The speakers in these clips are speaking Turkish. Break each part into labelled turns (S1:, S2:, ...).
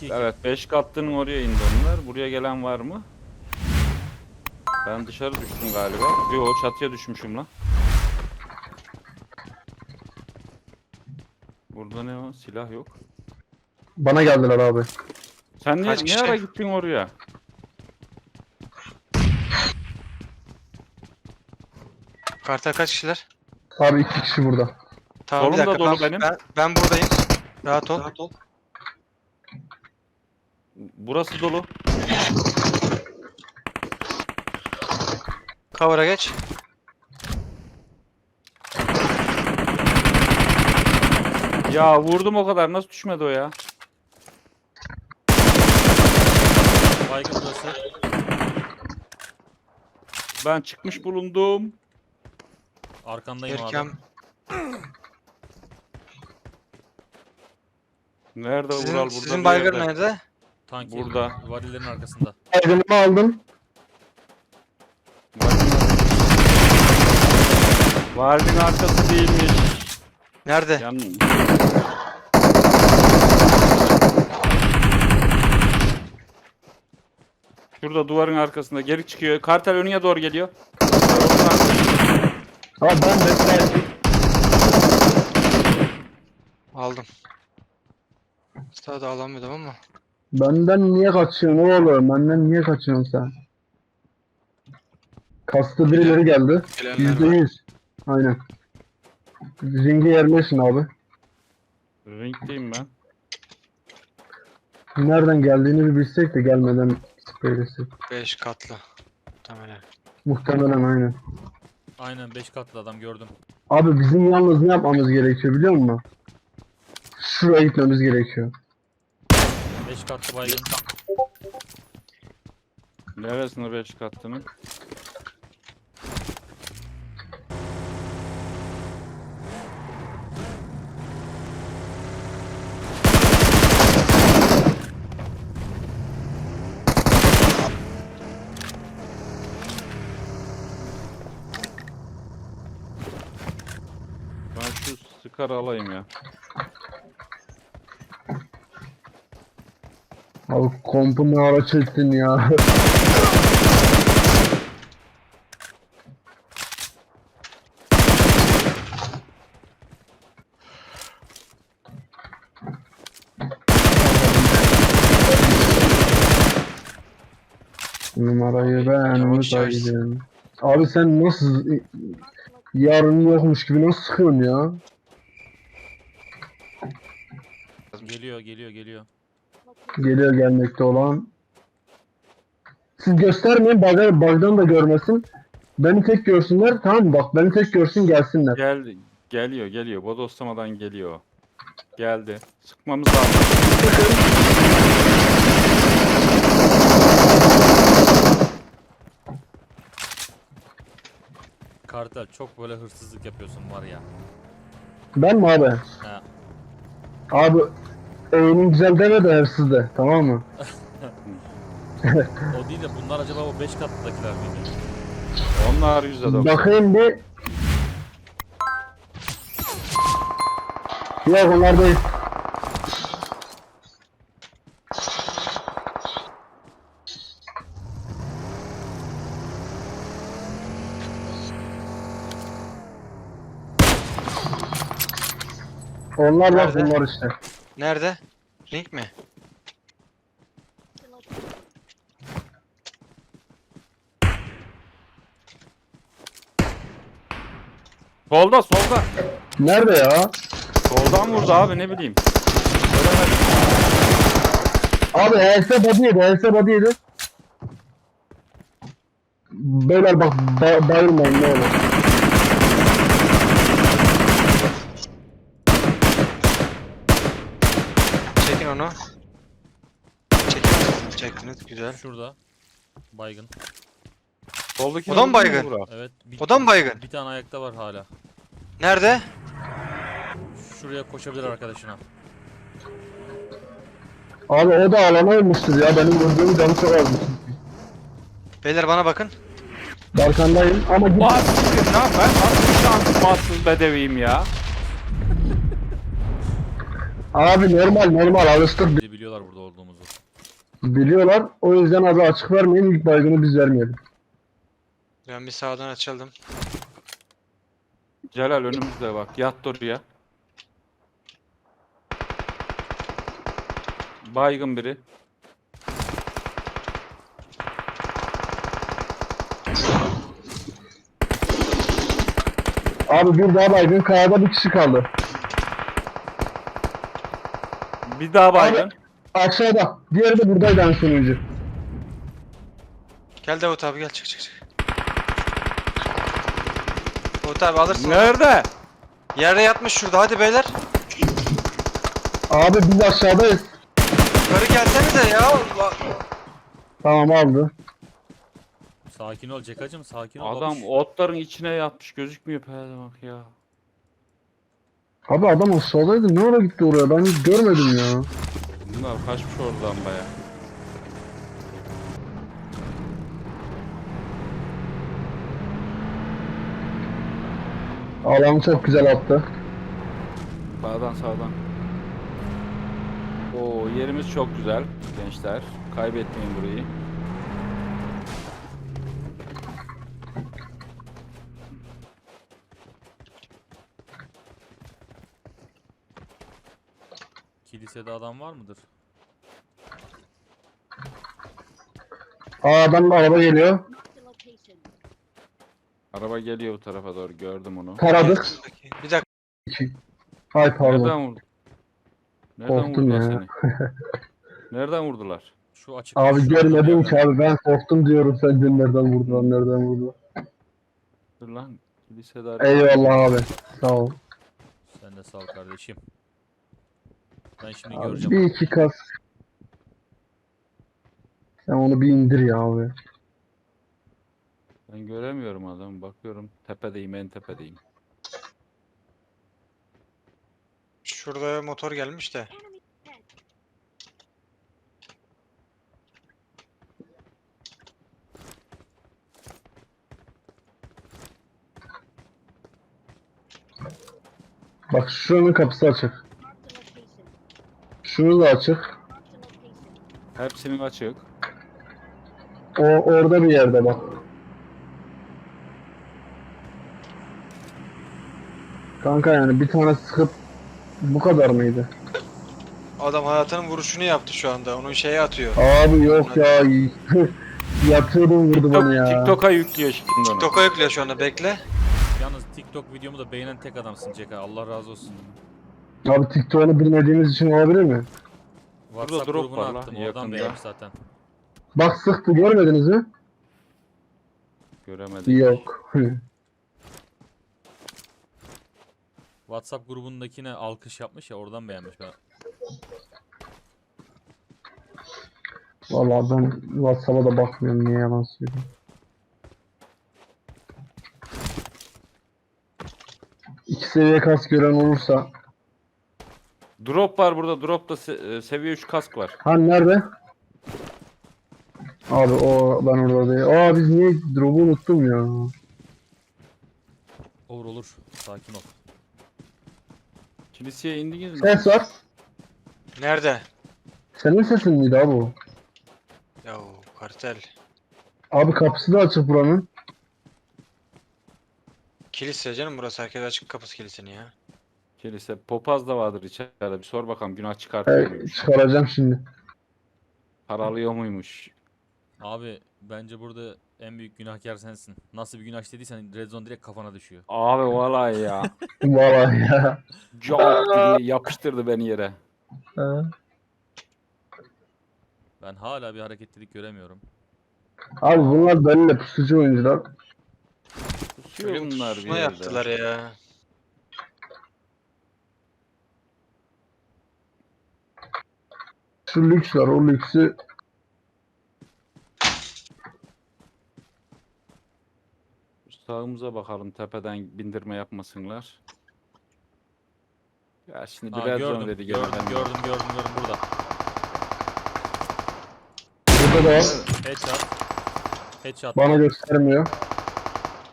S1: 2-2.
S2: Evet 5 katlının oraya indi onlar. Buraya gelen var mı? Ben dışarı düştüm galiba. Yo çatıya düşmüşüm lan. Burada ne o? Silah yok.
S3: Bana geldiler abi.
S2: Sen
S4: Kaç
S2: ne
S4: kişi?
S2: ara gittin oraya?
S4: Kartal kaç kişiler?
S3: Abi 2 kişi burada.
S4: Tamam bir
S2: Solum da
S4: dakika.
S2: dolu
S4: Ben,
S2: benim.
S4: ben buradayım. Rahat ol.
S2: Burası dolu.
S4: Cover'a geç.
S2: Ya vurdum o kadar. Nasıl düşmedi o ya?
S1: Baygın burası.
S2: Ben çıkmış bulundum.
S1: Arkandayım
S4: Erkem.
S1: abi.
S2: Nerede Vural? Burada
S4: Sizin
S2: bir
S4: baygın
S2: yerde.
S4: nerede?
S1: Tanki.
S2: Burada.
S1: Varillerin arkasında.
S3: Aydınımı aldım.
S2: Vardin arkası değilmiş.
S4: Nerede?
S2: Yan... Şurada duvarın arkasında geri çıkıyor. Kartal önüne doğru geliyor.
S3: Abi ben de
S4: Aldım. Sağda alamıyordum ama.
S3: benden niye kaçıyorsun oğlum? Benden niye kaçıyorsun sen? Kastı birileri geldi.
S4: Gelenler var.
S3: %100. Aynen. Ringe yerleşin abi.
S2: Ringdeyim ben.
S3: Nereden geldiğini bir bilsek de gelmeden söylesek.
S4: 5 katlı. Muhtemelen.
S3: Muhtemelen aynen.
S1: Aynen 5 katlı adam gördüm.
S3: Abi bizim yalnız ne yapmamız gerekiyor biliyor musun? Şuraya gitmemiz gerekiyor.
S1: 5 katlı baygın.
S2: Neresinde 5 kattının? Ben şu sıkarı alayım ya.
S3: Abi kompu ne ara çektin ya. Numarayı ben
S4: Yavaş yavaş.
S3: saydım. Abi sen nasıl yarın yokmuş gibi nasıl sıkıyorsun ya?
S1: Geliyor geliyor geliyor.
S3: Geliyor gelmekte olan. Siz göstermeyin bug'dan da görmesin. Beni tek görsünler tamam mı? Bak beni tek görsün gelsinler.
S2: Geliyor. Bodoslamadan geliyor. Geldi. Sıkmamız lazım.
S1: Kartal çok böyle hırsızlık yapıyorsun var ya.
S3: Ben mi abi?
S1: Ha.
S3: Abi oyunun güzel deme de hırsız de tamam mı?
S1: O değil de bunlar acaba o 5 katlıdakiler miydi?
S2: Onlar %90.
S3: Bakayım bir. Yok onlar değil. Onlar bak
S4: Nerede?
S3: bunlar işte.
S4: Nerede? Link mi?
S2: Solda.
S3: Nerede ya?
S2: Soldan vurdu abi ne bileyim. Göremedim.
S3: Abi HS body yedi, HS body yedi. Beyler bak bayılmayın ne olur.
S4: Çekin onu. Çekin. Çektiniz. Güzel.
S1: Şurada. Baygın.
S2: Soldaki
S4: O da mı
S2: vurdu mu
S4: baygın?
S2: Vural?
S1: Evet. Bir,
S4: O da mı baygın?
S1: Bir tane ayakta var hala.
S4: Nerede?
S1: Şuraya koşabilir arkadaşına.
S3: Abi o da alana olmuştur ya benim vurduğum canı çok azmış.
S4: Beyler bana bakın.
S3: Arkandayım ama git.
S2: Vay siktir lan ben nasıl bir şanssız bedeviğim ya.
S3: Abi normal alıştık.
S1: Bizi biliyorlar burada olduğumuzu.
S3: Biliyorlar. O yüzden abi açık vermeyin. İlk baygını biz vermeyelim.
S4: Ben bir sağdan açıldım.
S2: Celal önümüzde bak. Yat oraya. Baygın biri.
S3: Abi bir daha baygın. Kayada bir kişi kaldı.
S2: Bir daha baygın.
S3: Aşağıda. Diğeri de buradaydı en sonuncu.
S4: Gel Davut abi gel çık. Davut abi alırsın onu.
S2: Nerede?
S4: Yerde yatmış şurada hadi beyler.
S3: Abi biz aşağıdayız.
S4: Yukarı gelsenize ya. Allah.
S3: Tamam aldı.
S1: Sakin ol Cekacım, sakin ol.
S2: Adam
S1: babuş.
S2: otların içine yatmış. Gözükmüyor perde bak ya.
S3: Abi adam aşağıdaydı. Ne ara gitti oraya? Ben hiç görmedim ya.
S2: Bunlar kaçmış oradan baya.
S3: Alanı çok güzel attı.
S2: Sağdan. Oo yerimiz çok güzel gençler. Kaybetmeyin burayı.
S1: Kilisede adam var mıdır?
S3: Adam araba geliyor.
S5: Marked a location.
S2: Araba geliyor bu tarafa doğru, gördüm onu.
S3: Taradık.
S4: Bir dakika.
S3: Ay pardon.
S2: Nereden vurdu? Nereden
S3: Korktum
S2: vurdular
S3: ya.
S2: seni? Nereden vurdular?
S1: Şu açık.
S3: Abi
S1: şu
S3: görmedim
S1: yerden.
S3: ki abi. Ben korktum diyorum. Sen dün nereden vurdular, nereden vurdular.
S2: Dur lan. Kilisede araba.
S3: Eyvallah abi. Sağ ol.
S1: Sen de sağ ol kardeşim. Ben şimdi
S3: Abi,
S1: göreceğim.
S3: bir iki kas. Sen onu bir indir ya abi.
S2: Ben göremiyorum adamı. Bakıyorum. Tepedeyim, en tepedeyim.
S4: Şurada motor gelmiş de.
S5: Enemy ahead.
S3: Bak şuranın kapısı açık.
S5: Marked a location.
S3: Şunu da açık.
S5: Marked a location.
S2: Hepsinin açık.
S3: O orada bir yerde bak. Kanka yani bir tane sıkıp bu kadar mıydı?
S4: Adam hayatının vuruşunu yaptı şu anda. Onun şeye atıyor.
S3: Abi yok ya. Yatıyordum vurdu beni ya.
S2: TikTok'a yüklüyor şimdi onu.
S4: TikTok'a yüklüyor şu anda bekle.
S1: Yalnız TikTok videomu da beğenen tek adamsın Ceka. Allah razı olsun.
S3: Abi TikTok'unu bilmediğimiz için olabilir mi?
S1: WhatsApp
S2: drop
S1: grubuna
S2: var la,
S1: attım.
S2: yakında.
S1: Oradan beğenmiş zaten.
S3: Bak sıktı görmediniz mi?
S2: Göremedim.
S3: Yok.
S1: WhatsApp grubundakine alkış yapmış ya, oradan beğenmiş ben.
S3: Vallahi ben WhatsApp'a da bakmıyorum, niye yalan söyleyeyim. İki seviye kas gören olursa.
S2: Drop var burada. Drop'ta seviye 3 kask var.
S3: Ha nerede? Abi o ben orada değil. Aa biz niye drop'u unuttum ya.
S1: Olur olur. Sakin ol.
S2: Kiliseye indiniz mi?
S3: Ses var.
S4: Nerede?
S3: Senin sesin miydi abi o?
S4: Ya kartel.
S3: Abi kapısı da açık buranın.
S4: Kilise canım burası. Herkes açık kapısı kilisenin ya.
S2: Kilise. Popaz da vardır içeride. Bir sor bakalım, günah çıkartıyor muymuş?
S3: Çıkaracağım şimdi.
S2: Paralıyor muymuş?
S1: Abi bence burada en büyük günahkar sensin. Nasıl bir günah işlediysen Red Zone direkt kafana düşüyor.
S2: Abi vallahi ya.
S3: Vallahi ya.
S2: Çok diye yapıştırdı beni yere.
S3: Ha.
S1: Ben hala bir hareketlilik göremiyorum.
S3: Abi bunlar benimle pusucu oyuncular.
S2: Kusuyor
S4: Ölüm
S2: bunlar bir
S4: pusma
S2: yerde.
S4: yaptılar ya.
S3: Şu lüks var, o lüksü
S2: Sağımıza bakalım, tepeden bindirme yapmasınlar. Ya şimdi
S1: Aa,
S2: bir red
S1: gördüm,
S2: zone dedi
S1: gördüm,
S2: gene.
S1: gördüm burada.
S3: burada da var.
S1: Headshot. Headshot.
S3: Bana göstermiyor.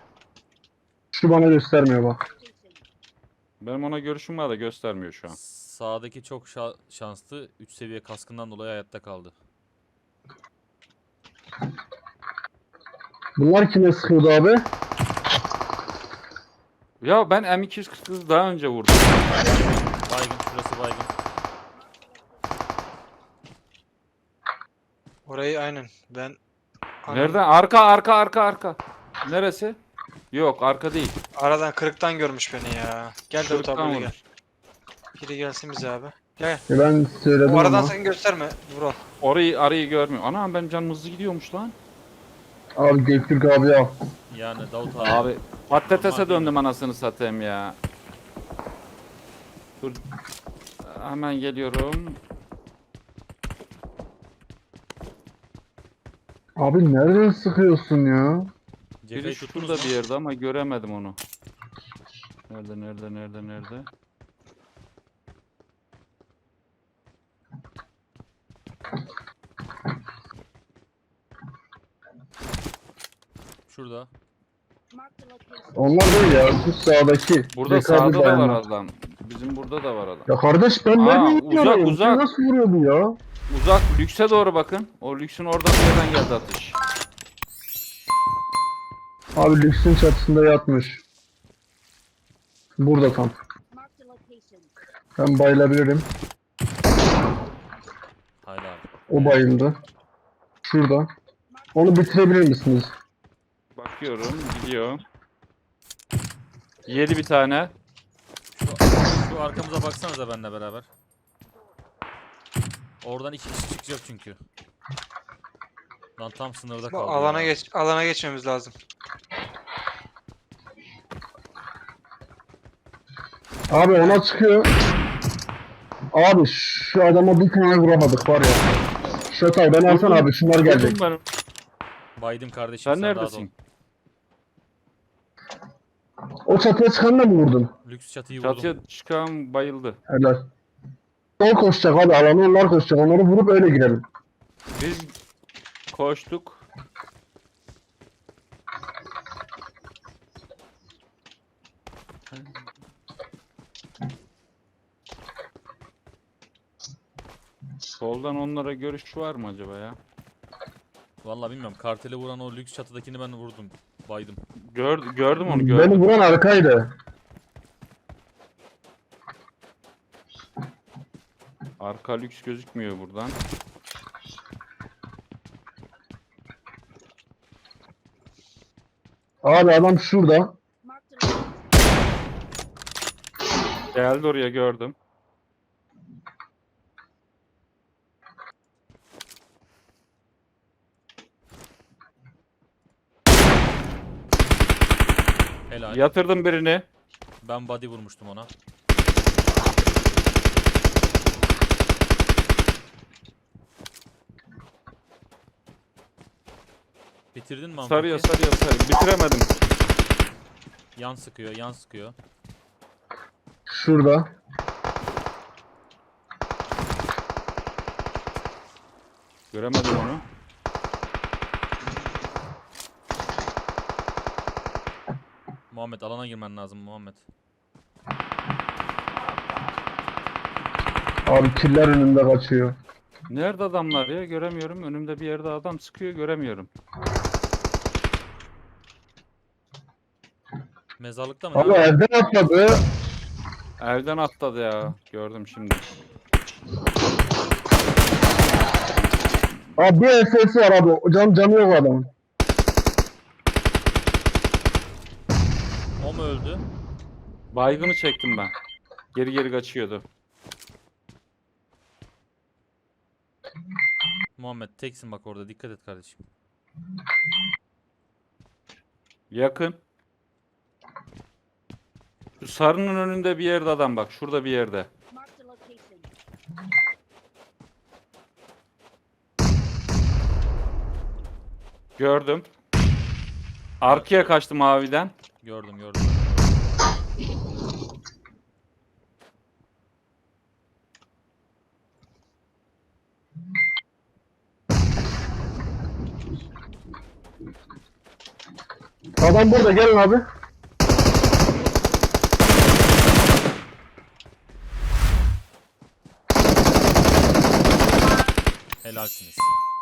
S3: Şu bana göstermiyor bak.
S5: Location.
S2: Benim ona görüşüm var da göstermiyor şu an.
S1: Sağdaki çok şanslı. 3 seviye kaskından dolayı hayatta kaldı.
S3: Bunlar kime sıkıyordu abi?
S2: Ya ben M249 daha önce vurdum.
S1: Baygın, şurası baygın.
S4: Orayı aynen. Ben
S2: Nereden? Arka. Neresi? Yok arka değil.
S4: aradan kırıktan görmüş beni ya. Gel Davut
S2: Kırıktan
S4: abi gel.
S2: vurmuş.
S4: Biri gelsin bize abi. Gel.
S3: Ben söyledim
S4: O aradan
S3: ama.
S4: sakın gösterme Vural.
S2: Arayı görmüyor. Ana benim canım hızlı gidiyormuş lan.
S3: Abi Göktürk abi al.
S1: Yani Davut abi.
S2: Abi patatese
S1: Aman
S2: döndüm anasını satayım ya. Dur. Hemen geliyorum.
S3: Abi nereden sıkıyorsun ya?
S1: Cepheyi
S2: Biri
S1: tuttunuz
S2: şurada
S1: mu?
S2: bir yerde ama göremedim onu. Nerede?
S1: Şurada.
S5: Marked a location.
S3: Onlar değil ya. Şu sağdaki.
S2: Burada
S3: Zekalı
S2: sağda da var
S3: bayanlar.
S2: adam. Bizim burada da var adam.
S3: Ya kardeş ben
S2: Aa,
S3: nereden
S2: uzak,
S3: vuruyorum?
S2: uzak.
S3: Nasıl vuruyordu ya?
S2: Uzak lükse doğru bakın. O lüksün oradan bir yerden geldi atış.
S3: Abi lüksün çatısında yatmış. Burada tam.
S5: Marked a location.
S3: Ben bayılabilirim.
S1: Hayır abi.
S3: O bayıldı. Şurada. Onu bitirebilir misiniz?
S2: Bakıyorum gidiyor. Yedi bir tane.
S1: Şu arkamıza baksanıza benimle beraber. Oradan 2 kişi çıkacak çünkü. Lan tam sınırda
S4: Bu
S1: kaldı
S4: alana
S1: ya.
S4: alana geçmemiz lazım.
S3: Abi ona çıkıyor. Abi şu adama bir tane vuramadık var ya. Şatay ben alsana abi şunlar gelecek.
S2: Vurdum ben.
S1: Baydım kardeşim,
S2: Sen
S1: rahat ol.
S2: neredesin?
S3: O çatıya çıkanla mı vurdun?
S1: Lüks çatıyı vurdum.
S2: Çatıya çıkan bayıldı.
S3: Helal. O koşacak abi alanı onlar koşacak. Onları vurup öyle girelim.
S2: Biz koştuk. Soldan onlara görüş var mı acaba ya?
S1: Vallahi bilmiyorum. Kartele vuran o lüks çatıdakini ben vurdum. Baydım.
S2: Gördüm onu
S3: Beni
S2: gördüm.
S3: vuran arkaydı.
S2: Arka lüks gözükmüyor buradan.
S3: Abi adam şurada.
S5: Marked a location.
S2: Geldi oraya gördüm.
S1: Helal.
S2: Yatırdım birini.
S1: Ben body vurmuştum ona. Bitirdin mi Amfaki?
S2: Sarıyor. Bitiremedim.
S1: Yan sıkıyor, yan sıkıyor.
S3: Şurada.
S2: Göremedim onu.
S1: Muhammed alana girmen lazım Muhammed.
S3: Abi killer önünde kaçıyor.
S2: Nerede adamlar ya? Göremiyorum. Önümde bir yerde adam sıkıyor. Göremiyorum.
S1: Mezarlıkta mı?
S3: Abi
S1: Ne var?
S3: evden atladı.
S2: Evden atladı ya. Gördüm şimdi.
S3: Abi bir SS var abi. Canı yok adamın.
S1: O mu öldü?
S2: Baygını çektim ben. Geri kaçıyordu.
S1: Muhammed teksin bak orada, dikkat et kardeşim.
S2: Yakın. Şu sarının önünde bir yerde adam bak. Şurada bir yerde.
S5: Marked a location.
S2: Gördüm. Arkaya kaçtı maviden.
S1: Gördüm.
S3: Adam burada gelin abi.
S1: Helalsiniz.